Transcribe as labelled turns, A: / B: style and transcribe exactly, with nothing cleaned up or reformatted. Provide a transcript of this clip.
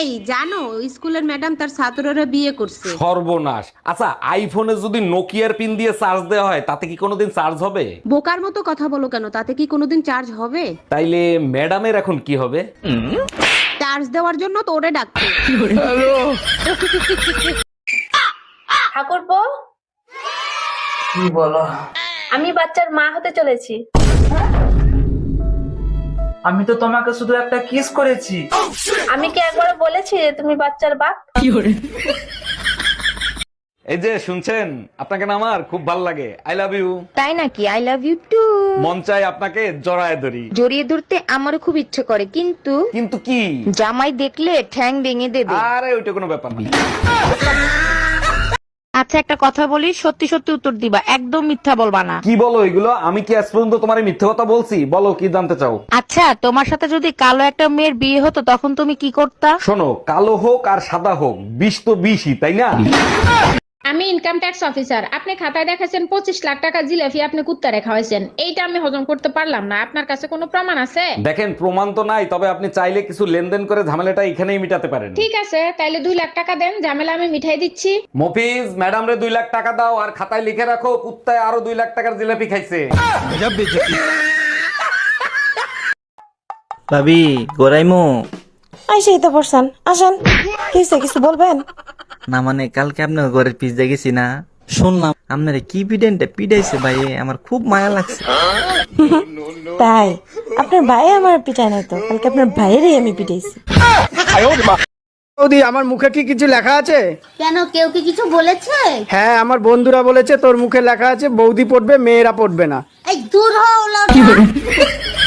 A: এই জানো স্কুলের ম্যাডাম তার ছাত্ররা বিয়ে করছে।
B: সর্বনাশ। আচ্ছা, আইফোনে যদি নোকিয়ার পিন দিয়ে চার্জ দেওয়া হয় তাতে কি কোনোদিন চার্জ হবে?
A: বোকার মতো কথা বলো কেন, তাতে কি কোনোদিন চার্জ হবে?
B: তাইলে ম্যাডামের এখন কি হবে?
A: চার্জ দেওয়ার জন্য তো ওরে ডাকছে।
C: ঠাকুরপো,
D: কি বলো?
C: আমি বাচ্চার মা হতে চলেছি।
D: আমি তো তোমাকে শুধু একটা কিস করেছি।
C: আমি কি একবারও বলেছি যে তুমি বাচ্চার বাপ?
B: এই যে শুনছেন, আপনাকে না আমার খুব ভালো লাগে। I love you.
E: তাই নাকি? I love you too.
B: মন চাই আপনাকে জড়ায় ধরি।
E: জড়িয়ে ধরতে আমারও খুব ইচ্ছে করে, কিন্তু
B: কিন্তু কি?
E: জামাই দেখলে ঠ্যাং ভেঙে দেবে।
B: আরে ওইটা কোনো ব্যাপার না।
E: আচ্ছা, একটা কথা বলি, সত্যি সত্যি উত্তর দিবা, একদম মিথ্যা বলবা না।
B: কি বলো এগুলো? আমি কি আজ পর্যন্ত তোমার মিথ্যে কথা বলছি? বলো কি জানতে চাও?
E: আচ্ছা, তোমার সাথে যদি কালো একটা মেয়ের বিয়ে হতো তখন তুমি কি করতা?
B: শোনো, কালো হোক আর সাদা হোক, বিষ তো বিষই, তাই না?
F: আমি ইনকাম ট্যাক্স অফিসার। আপনি খাতায় দেখাছেন পঁচিশ লাখ টাকা জিলাপি আপনি কুত্তা রেখা হয়েছেন, এইটা আমি হজম করতে পারলাম না। আপনার কাছে কোনো প্রমাণ আছে?
B: দেখেন, প্রমাণ তো নাই, তবে আপনি চাইলে কিছু লেনদেন করে ঝামেলাটা এখানেই মিটাতে পারেন।
F: ঠিক আছে, তাইলে দুই লাখ টাকা দেন, ঝামেলা আমি মিঠাই দিচ্ছি।
B: মফিজ, ম্যাডাম রে দুই লাখ টাকা দাও আর খাতায় লিখে রাখো কুত্তায় আরো দুই লাখ টাকার জিলাপি খাইছে।
G: ভাবি গোরাইমো।
H: আইসেই তো পড়ছেন, আসেন। কিছু কিছু বলবেন?
G: না মানে কালকে আপনার ঘরের পিজ্জা গেছি না, শুনলাম আপনার কি পিডেন্টে পিডাইছে ভাই, আমার খুব মায়া লাগছে।
H: তাই আপনার ভাই আমার পিটায় নাই তো, কালকে আপনার ভাইয়েরই আমি পিটাইছি।
I: বৌদি, আমার মুখে কি কিছু লেখা আছে?
J: কেন, কেউ কি কিছু বলেছে?
I: হ্যাঁ, আমার বন্ধুরা বলেছে তোর মুখে লেখা আছে বৌদি পড়বে, মেয়েরা পড়বে না।
J: এই দূর হও, লাউডা।